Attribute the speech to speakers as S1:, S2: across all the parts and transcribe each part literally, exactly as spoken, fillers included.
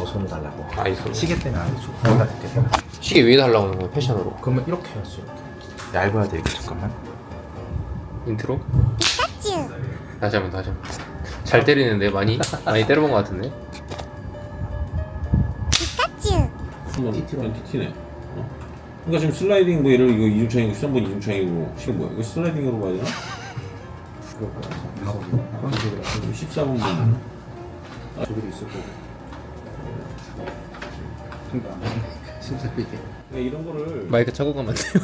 S1: 저 손을 달라고.
S2: 아, 이 손.
S1: 시계 때문에 안 해줘. 거기다 대요
S2: 시계 위에 달라고 하는 거야, 패션으로.
S1: 그러면 이렇게 해야지 이렇게. 얇아야 돼 이게. 잠깐만.
S2: 인트로? 다시 한번 다시 한번. 잘 때리는데 많이? 많이 때려본 것 같은데?
S3: 한번 티티로 티티네. 어? 그러니까 지금 슬라이딩 뭐 얘를 이거 이중창이고 십삼 번 이중창이고 신 거야. 이거 슬라이딩으로 봐야 되나? 십사 번 분.
S1: 저기도 있을 거고. 진짜 이게.
S3: 그러니까 이런 거를
S2: 마이크 차고 가면 안 돼요.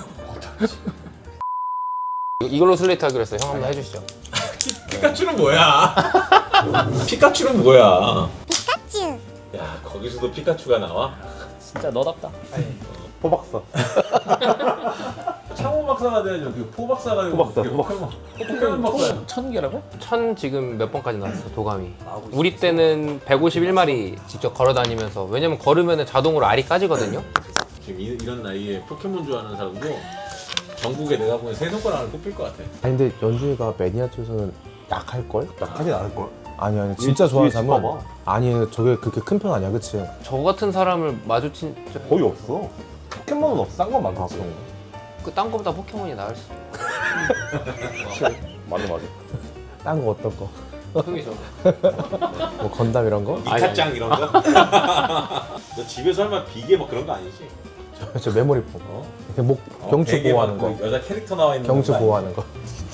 S2: 이걸로 슬레이트 하기로 했어요. 형 한번 해주시죠.
S3: 피카츄는 뭐야? 피카츄는 뭐야? 피카츄. 야 거기서도 피카츄가 나와?
S2: 진짜 너답다.
S4: 포박사.
S3: 창호 박사가 돼야죠. 그 포박사가
S4: 포박사,
S3: 포켓몬. 포켓몬 박사야.
S2: 천 개라고? 천 지금 몇 번까지 나왔어, 도감이. 우리 때는 백오십일 마리 직접 걸어 다니면서, 왜냐면 걸으면 자동으로 알이 까지거든요.
S3: 지금 이, 이런 나이에 포켓몬 좋아하는 사람도 전국에 내가 보기엔 세 손가락을 꼽힐 것 같아.
S5: 아니 근데 연주이가 매니아 쪽에서는 약할걸?
S4: 약하진 않을걸?
S5: 아니 아니 진짜 좋아하는 사람은
S4: 봐봐.
S5: 아니 저게 그렇게 큰 편 아니야 그치?
S2: 저 같은 사람을 마주친
S4: 거의 없어. 포켓몬은 없어. 싼 건 많겠지.
S2: 그딴 거보다 포켓몬이 나을 수.
S4: 맞아 맞아.
S5: 딴 거 어떤 거?
S2: 형이죠.
S5: 뭐 건담 이런 거?
S3: 이카짱 이런 거? 너 집에서 설마 비계 뭐 그런 거 아니지?
S5: 저, 저 메모리폼
S3: 어?
S5: 이렇게 목
S3: 어,
S5: 경추
S3: 베개
S5: 보호하는
S3: 막
S5: 거
S3: 그 여자 캐릭터 나와 있는
S5: 경추
S3: 거
S5: 보호하는 거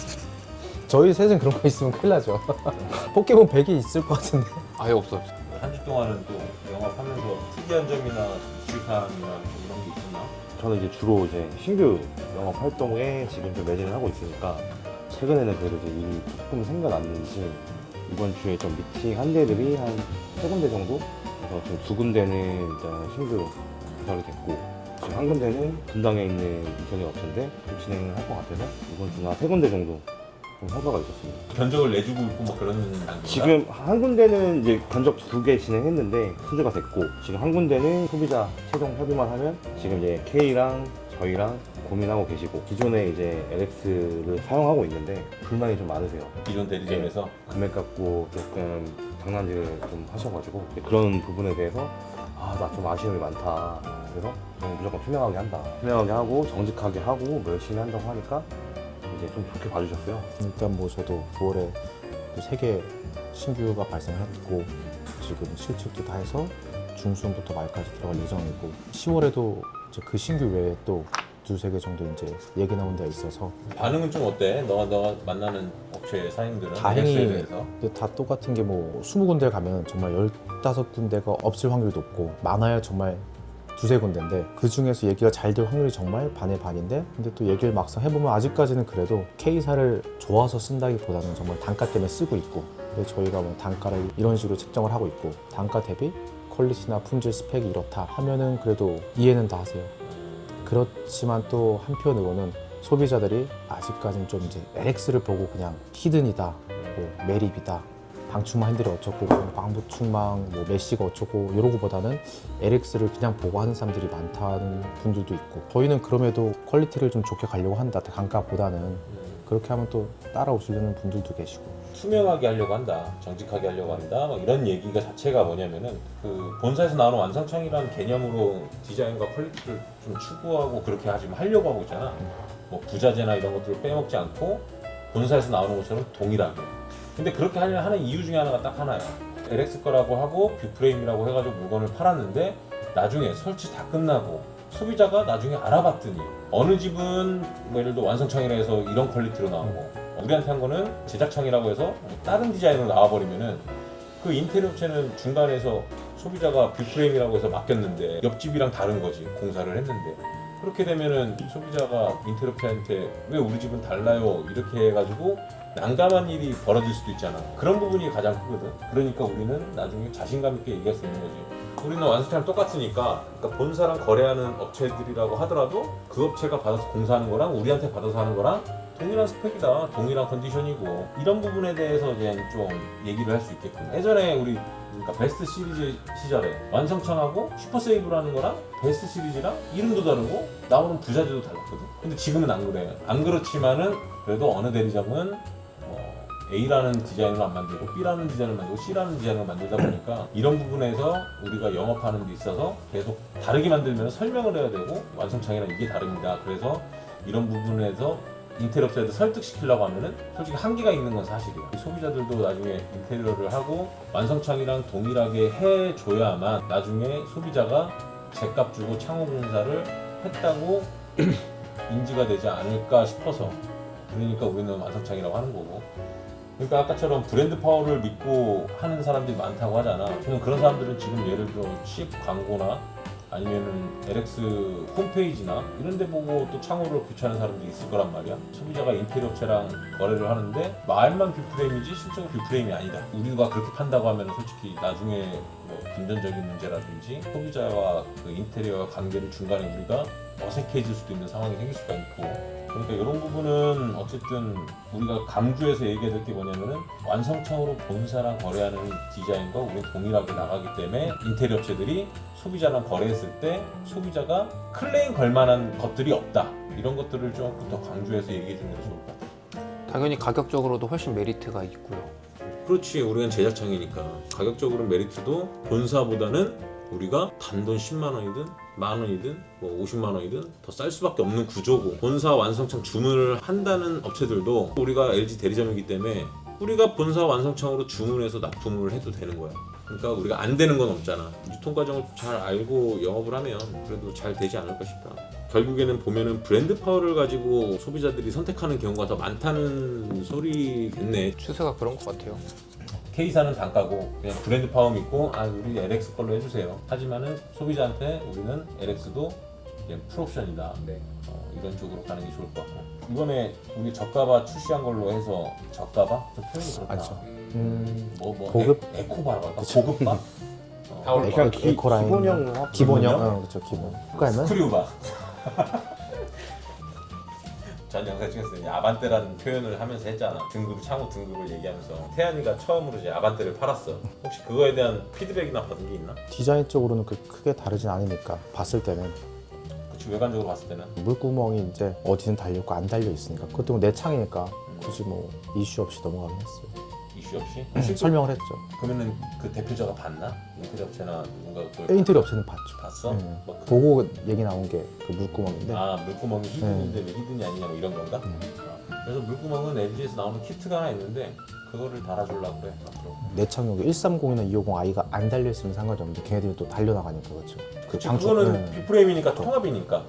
S5: 저희 셋은 그런 거 있으면 큰일 나죠 포켓몬 백이 있을 것 같은데
S2: 아예 없어.
S3: 한 주 동안은 또 영업하면서 특이한 점이나 이슈사항이나 이런 게 있었나?
S4: 저는 이제 주로 이제 신규 영업 활동에 지금 좀 매진을 하고 있으니까 최근에는 그래도 이제 일이 조금 생겨났는지 이번 주에 좀 미팅 한 대들이 한 세 군데 정도? 그래서 지금 두 군데는 일단 신규 개설이 됐고 지금 한 군데는 분당에 있는 인테리어 업체인데 좀 진행을 할 것 같아서 이번 주는 한 세 군데 정도 좀 성과가 있었습니다.
S3: 견적을 내주고 있고 뭐 그런 단계인가?
S4: 지금 한 군데는 이제 견적 두 개 진행했는데 순주가 됐고 지금 한 군데는 소비자 최종 협의만 하면 지금 이제 K랑 저희랑 고민하고 계시고 기존에 이제 엘엑스를 사용하고 있는데 불만이 좀 많으세요.
S3: 기존 대리점에서
S4: 금액 갖고 조금 장난질을 좀 하셔가지고 그런 부분에 대해서 아 나 좀 아쉬움이 많다. 그래서 저는 무조건 투명하게 한다. 투명하게 하고 정직하게 하고 뭐 열심히 한다고 하니까 이제 좀 좋게 봐주셨어요.
S5: 일단 뭐 저도 구월에 세 개 신규가 발생했고 지금 실측도 다 해서 중순부터 말까지 들어갈 예정이고 시월에도 이제 그 신규 외에 또 두세 개 정도 이제 얘기 나온 데가 있어서
S3: 반응은 좀 어때? 너가 너가 만나는 업체 사장님들은
S5: 다행히
S3: 엘엑스에 대해서?
S5: 근데 다 똑같은 게 뭐 스무 군데 가면 정말 열다섯 군데가 없을 확률이 높고 많아야 정말 두세 군데인데 그 중에서 얘기가 잘 될 확률이 정말 반의 반인데 근데 또 얘기를 막상 해보면 아직까지는 그래도 K사를 좋아서 쓴다기보다는 정말 단가 때문에 쓰고 있고 근데 저희가 뭐 단가를 이런 식으로 책정을 하고 있고 단가 대비 퀄리티나 품질 스펙이 이렇다 하면은 그래도 이해는 다 하세요. 그렇지만 또 한편으로는 소비자들이 아직까지는 좀 이제 엘엑스를 보고 그냥 히든이다, 뭐 매립이다, 방충망 핸들이 어쩌고, 광부충망, 뭐 메쉬가 어쩌고 이러고보다는 엘엑스를 그냥 보고 하는 사람들이 많다는 분들도 있고 저희는 그럼에도 퀄리티를 좀 좋게 가려고 한다, 단가보다는 그렇게 하면 또 따라오시려는 분들도 계시고
S3: 투명하게 하려고 한다, 정직하게 하려고 한다, 막 이런 얘기가 자체가 뭐냐면은 그 본사에서 나오는 완성창이라는 개념으로 디자인과 퀄리티를 좀 추구하고 그렇게 하지 하려고 하고 있잖아. 뭐 부자재나 이런 것들을 빼먹지 않고 본사에서 나오는 것처럼 동일하게. 근데 그렇게 하려 하는 이유 중에 하나가 딱 하나야. 엘엑스 거라고 하고 뷰프레임이라고 해가지고 물건을 팔았는데 나중에 설치 다 끝나고 소비자가 나중에 알아봤더니 어느 집은 뭐 예를 들어 완성창이라 해서 이런 퀄리티로 나오고 우리한테 한 거는 제작창이라고 해서 다른 디자인으로 나와버리면은 그 인테리어 업체는 중간에서 소비자가 뷰프레임이라고 해서 맡겼는데 옆집이랑 다른 거지, 공사를 했는데. 그렇게 되면은 소비자가 인테리어 업체한테 왜 우리 집은 달라요 이렇게 해가지고 난감한 일이 벌어질 수도 있잖아. 그런 부분이 가장 크거든. 그러니까 우리는 나중에 자신감 있게 얘기할 수 있는 거지. 우리는 완성차랑 똑같으니까, 그러니까 본사랑 거래하는 업체들이라고 하더라도 그 업체가 받아서 공사하는 거랑 우리한테 받아서 하는 거랑 동일한 스펙이다, 동일한 컨디션이고 이런 부분에 대해서 그냥 좀 얘기를 할 수 있게끔. 예전에 우리 그러니까 베스트 시리즈 시절에 완성창하고 슈퍼세이브라는 거랑 베스트 시리즈랑 이름도 다르고 나오는 부자재도 달랐거든. 근데 지금은 안 그래. 안 그렇지만은 그래도 어느 대리점은 뭐 A라는 디자인을 안 만들고 B라는 디자인을 만들고 C라는 디자인을 만들다 보니까 이런 부분에서 우리가 영업하는 데 있어서 계속 다르게 만들면 설명을 해야 되고 완성창이랑 이게 다릅니다. 그래서 이런 부분에서 인테리어 업체들 설득시키려고 하면은 솔직히 한계가 있는 건 사실이에요. 소비자들도 나중에 인테리어를 하고 완성창이랑 동일하게 해줘야만 나중에 소비자가 제값 주고 창호 공사를 했다고 인지가 되지 않을까 싶어서 그러니까 우리는 완성창이라고 하는 거고 그러니까 아까처럼 브랜드 파워를 믿고 하는 사람들이 많다고 하잖아. 그냥 그런 사람들은 지금 예를 들어 십 광고나 아니면은 엘엑스 홈페이지나 이런 데 보고 또 창호를 교체하는 사람들이 있을 거란 말이야. 소비자가 인테리어 업체랑 거래를 하는데 말만 뷰프레임이지 실제로 뷰프레임이 아니다. 우리가 그렇게 판다고 하면 솔직히 나중에 뭐 금전적인 문제라든지 소비자와 그 인테리어와 관계를 중간에 우리가 어색해질 수도 있는 상황이 생길 수가 있고 그러니까 이런 부분은 어쨌든 우리가 강조해서 얘기해야 될 게 뭐냐면은 완성창으로 본사랑 거래하는 디자인과 우리는 동일하게 나가기 때문에 인테리어 업체들이 소비자랑 거래했을 때 소비자가 클레임 걸 만한 것들이 없다 이런 것들을 조금 더 강조해서 얘기해 주는 게 좋을 것 같아요.
S2: 당연히 가격적으로도 훨씬 메리트가 있고요.
S3: 그렇지 우리는 제작창이니까 가격적으로 메리트도 본사보다는 우리가 단돈 십만 원이든 만 원이든 뭐 오십만 원이든 더 쌀 수밖에 없는 구조고 본사 완성창 주문을 한다는 업체들도 우리가 엘지 대리점이기 때문에 우리가 본사 완성창으로 주문해서 납품을 해도 되는 거야. 그러니까 우리가 안 되는 건 없잖아. 유통 과정을 잘 알고 영업을 하면 그래도 잘 되지 않을까 싶다. 결국에는 보면은 브랜드 파워를 가지고 소비자들이 선택하는 경우가 더 많다는 소리겠네.
S2: 추세가 그런 것 같아요.
S3: K사는 단가고 그냥 브랜드 파워 믿고 아 우리 엘엑스 걸로 해주세요. 하지만은 소비자한테 우리는 엘엑스도 이제 풀옵션이다.
S2: 네.
S3: 어, 이런 쪽으로 가는 게 좋을 것 같고 이번에 우리 저가바 출시한 걸로 해서 저가바? 좀 표현이 그렇다.
S5: 아니죠. 음,
S3: 뭐, 뭐
S5: 고급?
S3: 에, 에코바라고 할까?
S5: 그쵸.
S3: 고급바? 어,
S2: 다올
S5: 그냥
S2: 바.
S5: 기- 에코라인.
S4: 기본형 합-
S5: 기본형, 어, 그렇죠 기본. 그러면
S3: 스크류바. 전 영상 찍었을 때 아반떼라는 표현을 하면서 했잖아. 등급, 창호 등급을 얘기하면서 태연이가 처음으로 이제 아반떼를 팔았어. 혹시 그거에 대한 피드백이나 받은 게 있나?
S5: 디자인적으로는 그 크게 다르진 않으니까 봤을 때는
S3: 그치 외관적으로 봤을 때는
S5: 물구멍이 이제 어디는 달려있고 안 달려 있으니까 그것도 내 창이니까 굳이 뭐 이슈 없이 넘어가긴 했어요.
S3: 이슈 없이
S5: 음, 설명을 했죠.
S3: 그러면은 그 대표자가 봤나? 인테리어 업체나 누군가 그걸
S5: 인테리어 업체는 봤죠.
S3: 봤어?
S5: 음.
S3: 뭐 그-
S5: 보고 얘기 나온 게 그 물구멍인데
S3: 아 물구멍이 히든인데 왜 히든이 아니냐 뭐 이런 건가?
S5: 음.
S3: 아, 그래서 물구멍은 엘지에서 나오는 키트가 하나 있는데 그거를 달아주려고 그래 앞으로.
S5: 내 창용이 일삼공이나 이오공 아이가 안 달려있으면 상관이 없는데 걔네들이 또 달려나가니까 그렇죠. 그
S3: 그치,
S5: 장초-
S3: 그거는
S5: 네.
S3: 빅프레임이니까 통합이니까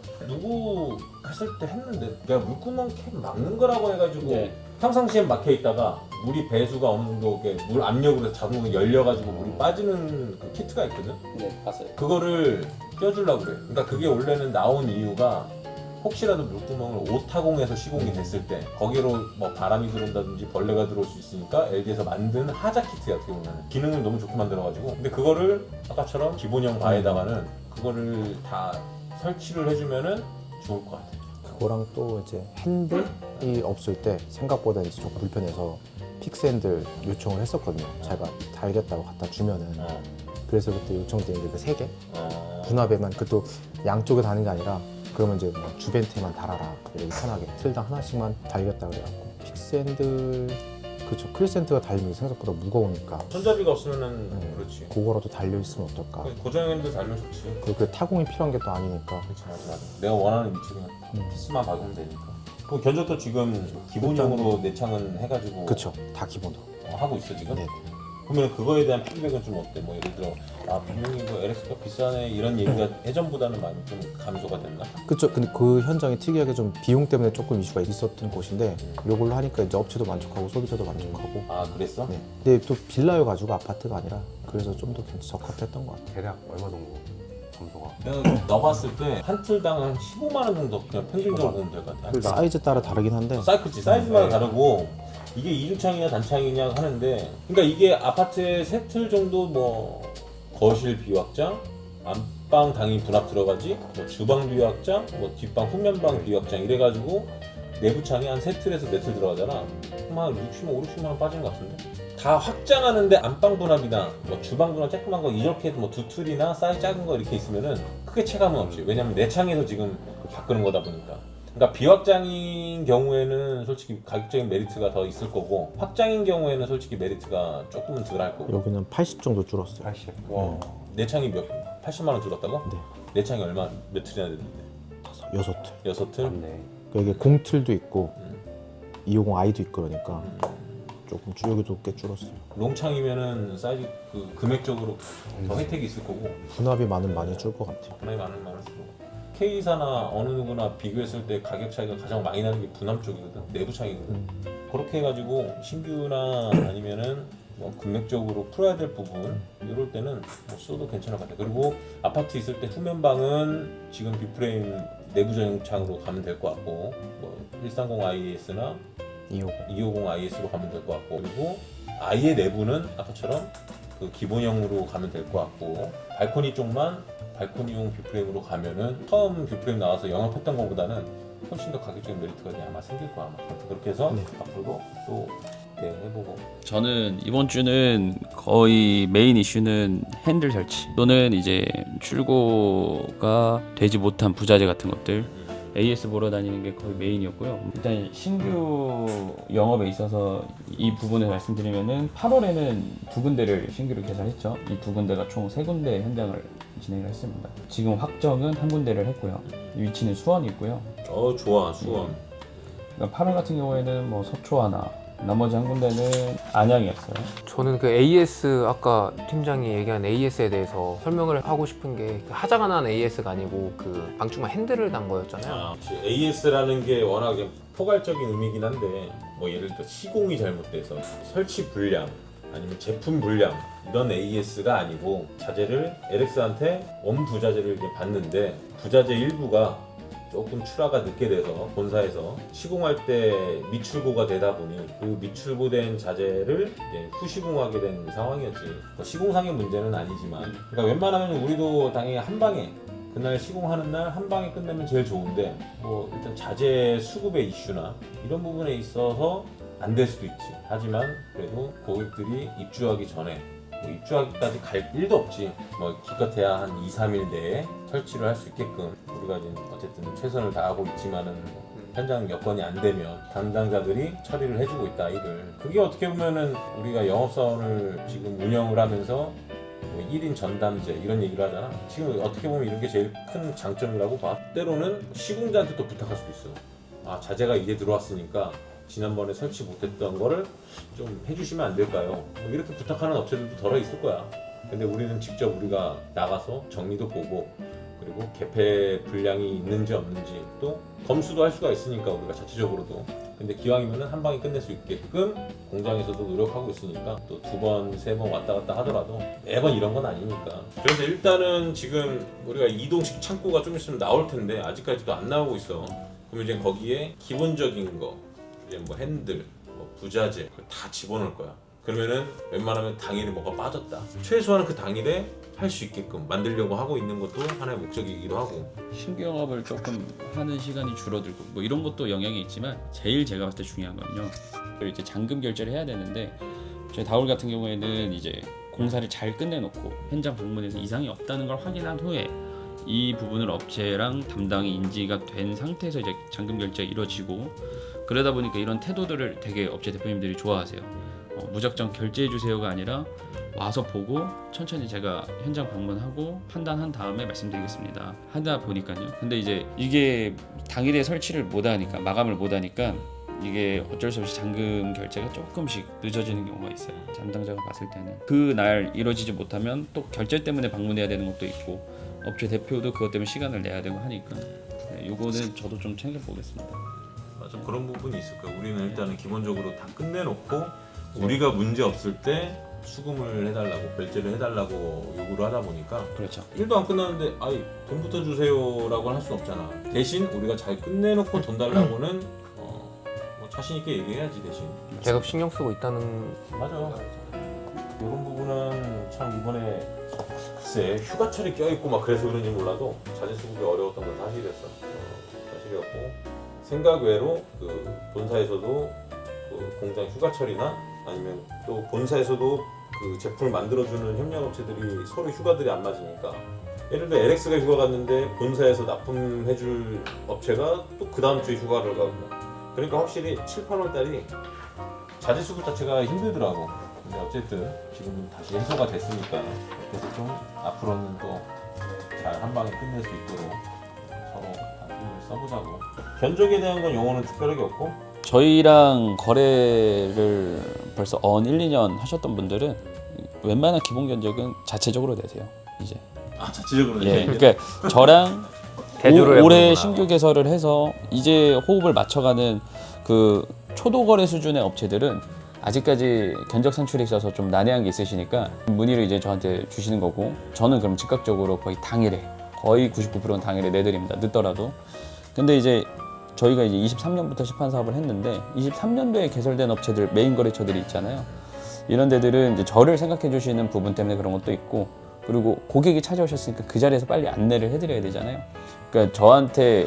S3: 누구 했을 때 했는데 내가 물구멍 캡 막는 거라고 해가지고
S2: 네.
S3: 평상시에 막혀 있다가 물이 배수가 어느 정도 이렇게 물 압력으로 자동으로 열려가지고 물이 빠지는 그 키트가 있거든.
S2: 네, 봤어요.
S3: 그거를 껴주려고 그래. 그러니까 그게 원래는 나온 이유가 혹시라도 물구멍을 오타공에서 시공이 됐을 때 거기로 뭐 바람이 들어온다든지 벌레가 들어올 수 있으니까 엘지에서 만든 하자 키트야. 어떻게 보면 기능을 너무 좋게 만들어가지고 근데 그거를 아까처럼 기본형 바에다가는 그거를 다 설치를 해주면은 좋을 것 같아.
S5: 그거랑 또 이제 핸들이 없을 때 생각보다 이제 좀 불편해서 픽스핸들 요청을 했었거든요. 자기가 달겠다고 갖다 주면은
S3: 어.
S5: 그래서 그때 요청된 게 그 세 개
S3: 어.
S5: 분합에만 그것도 양쪽에 다는 게 아니라 그러면 이제 뭐 주변테만 달아라 이렇게 편하게 틀당 하나씩만 달겠다 그래갖고 픽스핸들 그쵸 크리센트가 달리면 생각보다 무거우니까
S3: 손잡이가 없으면은
S5: 음.
S3: 그렇지.
S5: 그거라도 달려있으면 어떨까.
S3: 고정핸들 달면 좋지.
S5: 그리고 그 타공이 필요한 게 또 아니니까.
S3: 그렇지 맞아 맞아. 내가 원하는 위치에
S5: 음.
S3: 피스만 박으면 되니까. 그 견적도 지금 기본형으로 내창은 해가지고
S5: 그쵸 다 기본으로.
S3: 어, 하고 있어 지금?
S5: 네.
S3: 그러면 그거에 대한 피드백은 좀 어때? 뭐 예를 들어 아 분명히 뭐 엘엑스가 비싸네 이런 얘기가 예전보다는 많이 좀 감소가 됐나?
S5: 그쵸. 근데 그 현장이 특이하게 좀 비용 때문에 조금 이슈가 있었던 곳인데 이걸로 하니까 이제 업체도 만족하고 소비자도 만족하고.
S3: 아 그랬어?
S5: 네. 근데 또 빌라여가지고 아파트가 아니라 그래서 좀 더 적합했던 것 같아요.
S4: 대략 얼마 정도 감소가?
S3: 내가 넣어봤을 때 한 틀당 한 십오만 원 정도 그냥 평균적으로 보면 될 것 같아.
S5: 사이즈 따라 다르긴 한데
S3: 사이클지 사이즈마다 다르고 이게 이중창이냐 단창이냐 하는데 그러니까 이게 아파트에 세 틀 정도 뭐 거실 비확장, 안방 당연히 분합 들어가지, 뭐 주방 비확장, 뭐 뒷방 후면방 비확장 이래가지고 내부 창이 한 세 틀에서 네 틀 들어가잖아. 그럼 한 육십만 원, 오십만 원 빠지는 것 같은데? 다 확장하는데 안방 분합이나 뭐 주방 분합 조그만 거 이렇게 뭐 두 틀이나 사이즈 작은 거 이렇게 있으면은 크게 체감은 없지. 왜냐면 내 창에서 지금 바꾸는 거다 보니까. 그러니까 비확장인 경우에는 솔직히 가격적인 메리트가 더 있을 거고 확장인 경우에는 솔직히 메리트가 조금은 덜 할 거고.
S5: 여기는 팔십 정도 줄었어요.
S4: 팔십.
S3: 와, 내창이 몇 팔십만 원 줄었다고?
S5: 네.
S3: 내창이 얼마 몇 틀이나 됐는데?
S5: 다섯, 여섯 틀.
S3: 여섯 틀?
S4: 맞네.
S5: 여기 공틀도 있고
S3: 음.
S5: 이오공 아이도 있고 그러니까
S3: 음.
S5: 조금 줄- 여기도 꽤 줄었어요.
S3: 롱창이면은 사이즈 그 금액적으로 더 혜택이 있을 거고
S5: 분합이 많으면 많이 줄 것 같아요.
S3: 분할이 많은 많을수록 K사나 어느 누구나 비교했을 때 가격 차이가 가장 많이 나는 게 분합 쪽이거든, 내부 창이거든.
S5: 음.
S3: 그렇게 해가지고 신규나 아니면은 뭐 금액적으로 풀어야 될 부분 이럴 때는 뭐 써도 괜찮을 것 같아. 그리고 아파트 있을 때 후면방은 지금 비프레임 내부 전용창으로 가면 될 것 같고, 뭐 일삼공 아이에스나
S5: 이오공.
S3: 이오공 아이에스로 가면 될 것 같고, 그리고 아예 내부는 아까처럼 그 기본형으로 가면 될 것 같고, 발코니 쪽만 발코니용 뷰프레임으로 가면은 처음 뷰프레임 나와서 영업했던 것보다는 훨씬 더 가격적인 메리트가 그냥 아마 생길 거야. 아마. 그렇게 해서
S5: 네.
S3: 앞으로도 또 대응해보고.
S6: 저는 이번 주는 거의 메인 이슈는 핸들 설치 또는 이제 출고가 되지 못한 부자재 같은 것들 에이에스 보러 다니는 게 거의 메인이었고요. 일단 신규 영업에 있어서 이 부분을 말씀드리면은 팔월에는 두 군데를 신규로 개설했죠. 이 두 군데가 총 세 군데 현장을 진행을 했습니다. 지금 확정은 한 군데를 했고요. 위치는 수원이 있고요.
S3: 어 좋아 수원.
S6: 그러니까 팔월 같은 경우에는 뭐 서초 하나, 나머지 한 군데는 안양이었어요.
S2: 저는 그 에이에스 아까 팀장이 얘기한 에이에스에 대해서 설명을 하고 싶은 게 하자가 난 에이에스가 아니고 그 방충망 핸들을 단 거였잖아요.
S3: 아, 에이에스라는 게 워낙 좀 포괄적인 의미긴 한데 뭐 예를 들어 시공이 잘못돼서 설치 불량 아니면 제품 불량 이런 에이에스가 아니고 자재를 엘엑스한테 원 부자재를 이제 받는데 부자재 일부가 조금 출하가 늦게 돼서 본사에서 시공할 때 미출고가 되다 보니 그 미출고된 자재를 이제 후시공하게 된 상황이었지. 뭐 시공상의 문제는 아니지만, 그러니까 웬만하면 우리도 당연히 한 방에 그날 시공하는 날 한 방에 끝내면 제일 좋은데, 뭐 일단 자재 수급의 이슈나 이런 부분에 있어서 안 될 수도 있지. 하지만 그래도 고객들이 입주하기 전에 뭐 입주하기까지 갈 일도 없지. 뭐 기껏해야 한 이, 삼 일 내에 설치를 할 수 있게끔 우리가 지금 어쨌든 최선을 다하고 있지만은 현장 여건이 안 되면 담당자들이 처리를 해주고 있다 이를. 그게 어떻게 보면은 우리가 영업사원을 지금 운영을 하면서 뭐 일 인 전담제 이런 얘기를 하잖아. 지금 어떻게 보면 이런 게 제일 큰 장점이라고 봐. 때로는 시공자한테 또 부탁할 수도 있어. 아 자재가 이제 들어왔으니까 지난번에 설치 못했던 거를 좀 해주시면 안 될까요? 뭐 이렇게 부탁하는 업체들도 덜어 있을 거야. 근데 우리는 직접 우리가 나가서 정리도 보고 그리고 개폐 불량이 있는지 없는지 또 검수도 할 수가 있으니까 우리가 자체적으로도. 근데 기왕이면은 한 방에 끝낼 수 있게끔 공장에서도 노력하고 있으니까 또 두 번, 세 번 왔다 갔다 하더라도 매번 이런 건 아니니까. 그래서 일단은 지금 우리가 이동식 창고가 좀 있으면 나올 텐데 아직까지도 안 나오고 있어. 그럼 이제 거기에 기본적인 거 이제 뭐 핸들, 뭐 부자재 그걸 다 집어넣을 거야. 그러면은 웬만하면 당일에 뭐가 빠졌다. 최소한 그 당일에 할 수 있게끔 만들려고 하고 있는 것도 하나의 목적이기도 하고.
S6: 신규 영업을 조금 하는 시간이 줄어들고 뭐 이런 것도 영향이 있지만 제일 제가 봤을 때 중요한 건요. 이제 잔금 결제를 해야 되는데 저희 다울 같은 경우에는 이제 공사를 잘 끝내놓고 현장 방문해서 이상이 없다는 걸 확인한 후에 이 부분을 업체랑 담당이 인지가 된 상태에서 이제 잔금 결제가 이루어지고, 그러다 보니까 이런 태도들을 되게 업체 대표님들이 좋아하세요. 어, 무작정 결제해 주세요가 아니라 와서 보고 천천히 제가 현장 방문하고 판단한 다음에 말씀드리겠습니다 하다 보니까요. 근데 이제 이게 당일에 설치를 못하니까 마감을 못하니까 이게 어쩔 수 없이 잔금 결제가 조금씩 늦어지는 경우가 있어요. 담당자가 봤을 때는 그날 이루어지지 못하면 또 결제 때문에 방문해야 되는 것도 있고 업체 대표도 그것 때문에 시간을 내야 되고 하니까 네, 요거는 저도 좀 챙겨보겠습니다.
S3: 맞아, 그런 부분이 있을 거야. 우리는 일단은 기본적으로 다 끝내놓고 우리가 문제 없을 때 수금을 해달라고 결제를 해달라고 요구를 하다 보니까
S6: 그렇죠.
S3: 일도 안 끝났는데 아이 돈부터 주세요라고 할 수는 없잖아. 대신 우리가 잘 끝내놓고 돈 달라고는 어, 뭐 자신 있게 얘기해야지. 대신
S2: 계속 신경 쓰고 있다는.
S3: 맞아. 이런 부분은 참 이번에 글쎄 휴가철이 껴있고 막 그래서 그런지 몰라도 자재 수급이 어려웠던 건 사실이었어. 어, 사실이었고 생각 외로 그 본사에서도 그 공장 휴가철이나 아니면 또 본사에서도 그 제품을 만들어주는 협력업체들이 서로 휴가들이 안 맞으니까 예를 들어 엘엑스가 휴가 갔는데 본사에서 납품해줄 업체가 또 그 다음 주에 휴가를 가고 그러니까 확실히 칠, 팔월 달이 자재 수급 자체가 힘들더라고. 근데 어쨌든 지금은 다시 해소가 됐으니까 그래서 좀 앞으로는 또 잘 한 방에 끝낼 수 있도록 서로 다 힘을 써보자고. 견적에 대한 건 용어는 특별하게 없고
S6: 저희랑 거래를 벌써 언 일, 이 년 하셨던 분들은 웬만한 기본 견적은 자체적으로 내세요. 이제.
S3: 아 자체적으로
S6: 예. 그러니까 저랑
S2: 대조를
S6: 오, 올해
S2: 해보는구나.
S6: 신규 개설을 해서 이제 호흡을 맞춰가는 그 초도 거래 수준의 업체들은 아직까지 견적 산출에 있어서 좀 난해한 게 있으시니까 문의를 이제 저한테 주시는 거고 저는 그럼 즉각적으로 거의 당일에 거의 구십구 퍼센트는 당일에 내드립니다. 늦더라도. 근데 이제 저희가 이제 이십삼 년부터 시판 사업을 했는데 이십삼 년도에 개설된 업체들 메인 거래처들이 있잖아요. 이런 데들은 이제 저를 생각해 주시는 부분 때문에 그런 것도 있고 그리고 고객이 찾아오셨으니까 그 자리에서 빨리 안내를 해드려야 되잖아요. 그러니까 저한테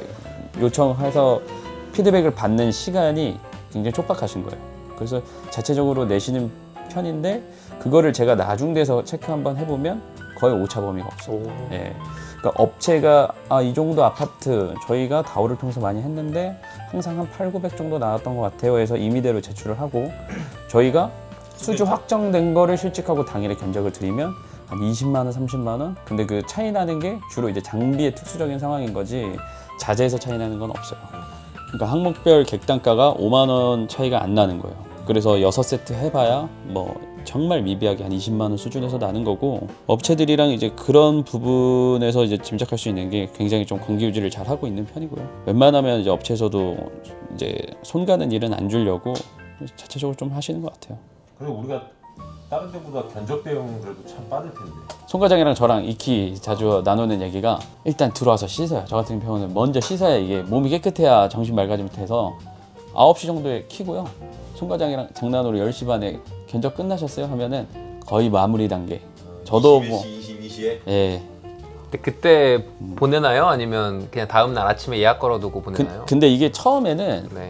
S6: 요청해서 피드백을 받는 시간이 굉장히 촉박하신 거예요. 그래서 자체적으로 내시는 편인데 그거를 제가 나중돼서 체크 한번 해보면 거의 오차 범위가 없어요. 예. 그러니까 업체가 아, 이 정도 아파트 저희가 다오를 통해서 많이 했는데 항상 한 팔, 구백 정도 나왔던 것 같아요 해서 임의대로 제출을 하고 저희가 수주 확정된 거를 실직하고 당일에 견적을 드리면 한 이십만 원, 삼십만 원? 근데 그 차이 나는 게 주로 이제 장비의 특수적인 상황인 거지 자재에서 차이 나는 건 없어요. 그러니까 항목별 객단가가 오만 원 차이가 안 나는 거예요. 그래서 여섯 세트 해봐야 뭐 정말 미비하게 한 이십만 원 수준에서 나는 거고 업체들이랑 이제 그런 부분에서 이제 짐작할 수 있는 게 굉장히 좀 관계 유지를 잘 하고 있는 편이고요. 웬만하면 이제 업체에서도 이제 손 가는 일은 안 주려고 자체적으로 좀 하시는 것 같아요.
S3: 그리고 우리가 다른 데보다 견적 대응은 그래도 참 빠를 텐데.
S6: 송 과장이랑 저랑 익히 자주 나누는 얘기가 일단 들어와서 씻어요. 저 같은 경우는 먼저 씻어야 이게 몸이 깨끗해야 정신 맑아지면서 아홉 시 정도에 키고요. 송 과장이랑 장난으로 열 시 반에 견적 끝나셨어요? 하면은 거의 마무리 단계. 저도 뭐
S3: 이십이 시에
S6: 예.
S2: 근데 그때 보내나요? 아니면 그냥 다음 날 아침에 예약 걸어두고 보내나요?
S6: 그, 근데 이게 처음에는
S2: 네.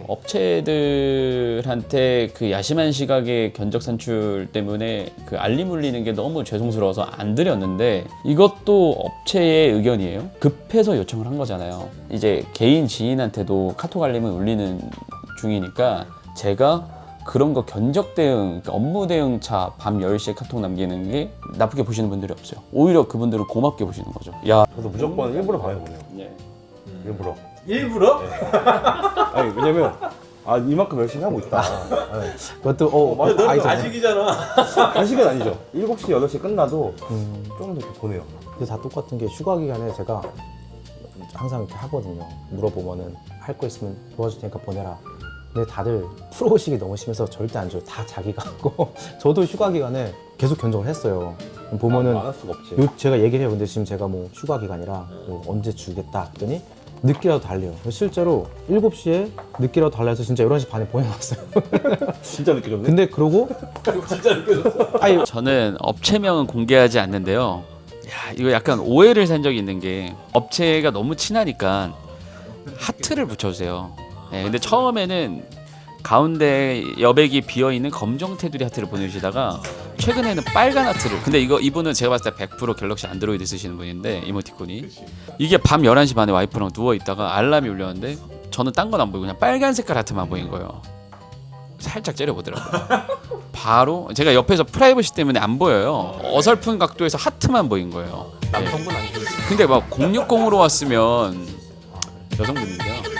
S6: 업체들한테 그 야심한 시각의 견적 산출 때문에 그 알림 울리는 게 너무 죄송스러워서 안 드렸는데 이것도 업체의 의견이에요. 급해서 요청을 한 거잖아요. 이제 개인 지인한테도 카톡 알림을 울리는 중이니까 제가 그런 거 견적 대응, 그러니까 업무 대응차 밤 열 시에 카톡 남기는 게 나쁘게 보시는 분들이 없어요. 오히려 그분들은 고맙게 보시는 거죠. 야,
S4: 그래서 무조건 일부러 방해보내요.
S6: 네.
S4: 일부러.
S3: 일부러?
S4: 아니 왜냐면 아 이만큼 열심히 하고 있다. 네.
S5: 그것도 어,
S3: 근데 너는
S5: 아니죠.
S3: 아직이잖아.
S4: 한시간 아니죠. 일곱 시, 여덟 시 끝나도 좀 더 이렇게 보내요.
S5: 근데 다 똑같은 게 휴가 기간에 제가 항상 이렇게 하거든요. 물어보면은 할 거 있으면 도와줄 테니까 보내라. 근데 다들 프로의식이 너무 심해서 절대 안 줘요. 다 자기가 하고 저도 휴가 기간에 계속 견적을 했어요. 보면은
S4: 안 할 수가 없지.
S5: 요, 제가 얘기를 해요. 근데 지금 제가 뭐 휴가 기간이라 뭐 언제 주겠다 했더니 늦게라도 달래요. 실제로 일곱 시에 늦게라도 달라해서 진짜 열한 시 반에 보내놨어요.
S4: 진짜 늦게 줬네.
S5: 근데 그러고
S3: 진짜 느껴졌어.
S5: 아니
S6: 저는 업체명은 공개하지 않는데요. 야, 이거 약간 오해를 산 적이 있는 게 업체가 너무 친하니까 하트를 붙여주세요. 네, 근데 처음에는 가운데 여백이 비어있는 검정 테두리 하트를 보내주시다가 최근에는 빨간 하트를. 근데 이거 이분은 제가 봤을 때 백 퍼센트 갤럭시 안드로이드 쓰시는 분인데 이모티콘이 이게 밤 열한 시 반에 와이프랑 누워있다가 알람이 울렸는데 저는 딴 건 안 보이고 그냥 빨간 색깔 하트만 보인 거예요. 살짝 째려보더라고요. 바로 제가 옆에서 프라이버시 때문에 안 보여요. 어설픈 각도에서 하트만 보인 거예요.
S2: 남성분 아니죠?
S6: 근데 막 공육공으로 왔으면 여성분인데요. 네.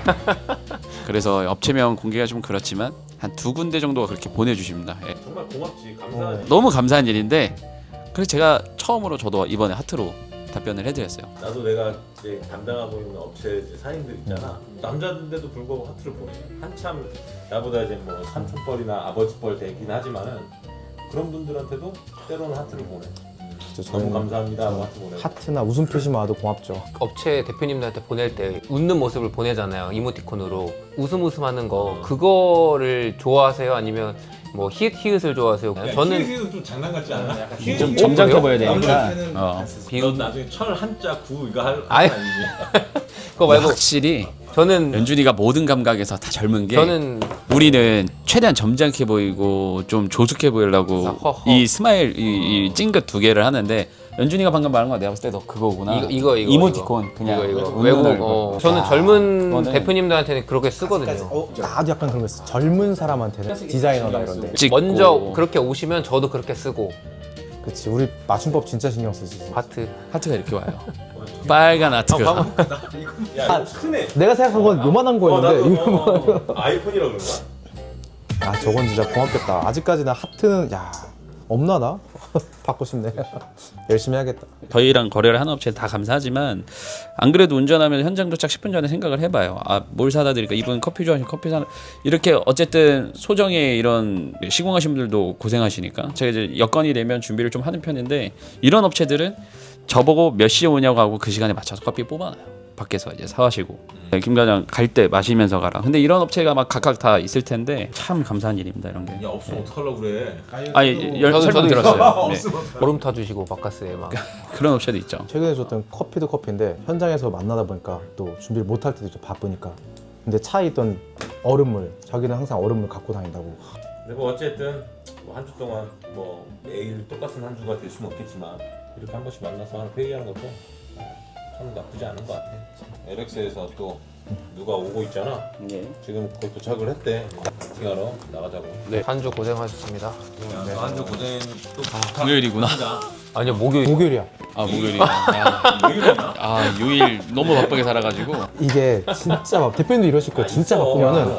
S6: 그래서 업체명 공개가 좀 그렇지만 한 두 군데 정도가 그렇게 보내주십니다. 예.
S3: 정말 고맙지. 감사하지.
S6: 너무 감사한 일인데 그래서 제가 처음으로 저도 이번에 하트로 답변을 해드렸어요.
S3: 나도 내가 이제 담당하고 있는 업체 이제 사장님들 있잖아. 남자인데도 불구하고 하트를 보내. 한참 나보다 이제 뭐 삼촌뻘이나 아버지뻘 되긴 하지만은 그런 분들한테도 때로는 하트를 보내. 너무 감사합니다 하고 하트 보내.
S5: 하트나 웃음 표시만 와도 고맙죠.
S2: 업체 대표님들한테 보낼 때 웃는 모습을 보내잖아요. 이모티콘으로 웃음 웃음 하는 거 그거를 좋아하세요? 아니면 뭐 히읗 히읗을 좋아하세요? 저는
S3: 키는 좀 장난 같지 않아? 약간
S6: 좀 점잖게 보여야
S3: 되니까.
S6: 되니까. 어.
S3: 넌 나중에 철 한자 구 이거 할
S2: 아이.
S3: 아니지?
S2: 그거 말고
S6: 확실히
S2: 저는
S6: 연준이가 모든 감각에서 다 젊은 게
S2: 저는
S6: 우리는 최대한 점잖게 보이고 좀 조숙해 보이려고
S2: 아, 허허.
S6: 이 스마일 이, 이 찡긋 두 개를 하는데 연준이가 방금 말한 거 내가 봤을 때 너 그거구나.
S2: 이거 이거 이거
S6: 이모티콘
S2: 이거.
S6: 그냥
S2: 이거, 이거.
S6: 웃는
S2: 외국
S6: 얼굴.
S2: 어, 저는
S5: 아,
S2: 젊은
S6: 그거는-
S2: 대표님들한테는 그렇게 쓰거든요.
S5: 어, 나도 약간 그런 거 있어. 젊은 사람한테는 디자이너나 이런데.
S6: 찍고.
S2: 먼저 그렇게 오시면 저도 그렇게 쓰고
S5: 그치. 우리 맞춤법 진짜 신경 쓰지.
S2: 하트.
S6: 하트가 이렇게 와요. 빨간 하트가.
S3: 야 이거 크네.
S5: 내가 생각한 건 요만한
S3: 어,
S5: 거였는데
S3: 나도
S5: 이거
S3: 어, 어, 아이폰이라 그런 거야?
S5: 아 저건 진짜 고맙겠다. 아직까지는 하트는 야 없나 나? 받고 싶네. 열심히 해야겠다.
S6: 저희랑 거래를 하는 업체는 다 감사하지만 안 그래도 운전하면 현장 도착 십 분 전에 생각을 해봐요. 아 뭘 사다 드릴까? 이분 커피 좋아하시면 커피 사는 이렇게 어쨌든 소정의 이런 시공하신 분들도 고생하시니까 제가 이제 여건이 되면 준비를 좀 하는 편인데 이런 업체들은 저보고 몇 시에 오냐고 하고 그 시간에 맞춰서 커피 뽑아놔요. 밖에서 이제 사와시고 네, 김 과장 갈 때 마시면서 가라. 근데 이런 업체가 막 각각 다 있을 텐데 참 감사한 일입니다 이런 게.
S3: 야 없으면 어떡하려고 그래.
S6: 아니 열,
S2: 저도-
S6: 설명
S2: 저도
S6: 들었어요. 네.
S2: 보름 타주시고 바카스에 막.
S6: 그런 업체도 있죠.
S5: 최근에 줬던 커피도 커피인데 현장에서 만나다 보니까 또 준비를 못 할 때도 좀 바쁘니까. 근데 차에 있던 얼음물 자기는 항상 얼음물 갖고 다닌다고.
S3: 근데 뭐 어쨌든 뭐 한 주 동안 뭐 매일 똑같은 한 주가 될 수는 없겠지만 이렇게 한 번씩 만나서 하는 회의하는 것도 참 나쁘지 않은 것 같아. 엘엑스에서 또 누가 오고 있잖아.
S6: 네.
S3: 지금 거의 도착을 했대. 미팅하러 나가자고.
S2: 네. 한 주 고생하셨습니다.
S3: 네. 한주 고생 또
S6: 금요일이구나.
S2: 아니요 목요일.
S5: 목요일이야.
S6: 아 목요일이야. 아, 아 요일 너무 바쁘게 살아가지고.
S5: 이게 진짜 막 대표님도 이러실 거예요. 진짜 바쁘면은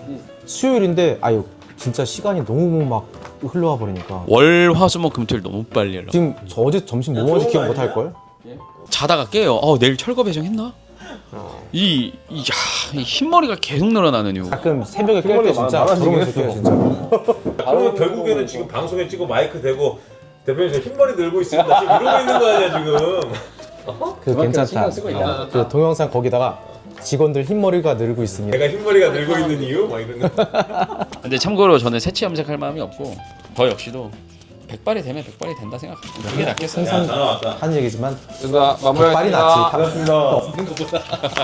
S5: 수요일인데 아유 진짜 시간이 너무 막 흘러와 버리니까.
S6: 월, 화, 수, 목, 금, 토일 너무 빨리 연락.
S5: 지금 저 어제 점심 뭐 먹었는지 기억 못 할 걸?
S6: 자다가 깨요. 어 내일 철거 배정했나? 이, 이, 야, 이 흰머리가 계속 늘어나는 이유.
S5: 가끔 새벽에 깰 때 진짜 그러면서 깨요 진짜.
S3: 그러면 결국에는 지금 방송에 찍고 마이크 대고 대표님 저 흰머리 늘고 있습니다. 지금 이러고 있는 거 아니야 지금?
S5: 그 괜찮다. 그 동영상 거기다가 직원들 흰머리가 늘고 있습니다.
S3: 내가 흰머리가 늘고 있는 이유? 막 이런 거.
S6: 근데 참고로 저는 새치 염색할 마음이 없고 저 역시도 백발이 되면 백발이 된다 생각합니다. 그게 낫겠어요.
S3: 야 전화 왔다.
S5: 한 얘기지만
S2: 누가
S5: 백발이
S2: 마무리하겠습니다.
S5: 낫지.
S3: 생각보다.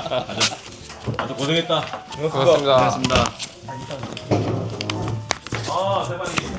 S3: 아주 고생했다.
S2: 고맙습니다.
S6: 고맙습니다.
S3: 아 대박이.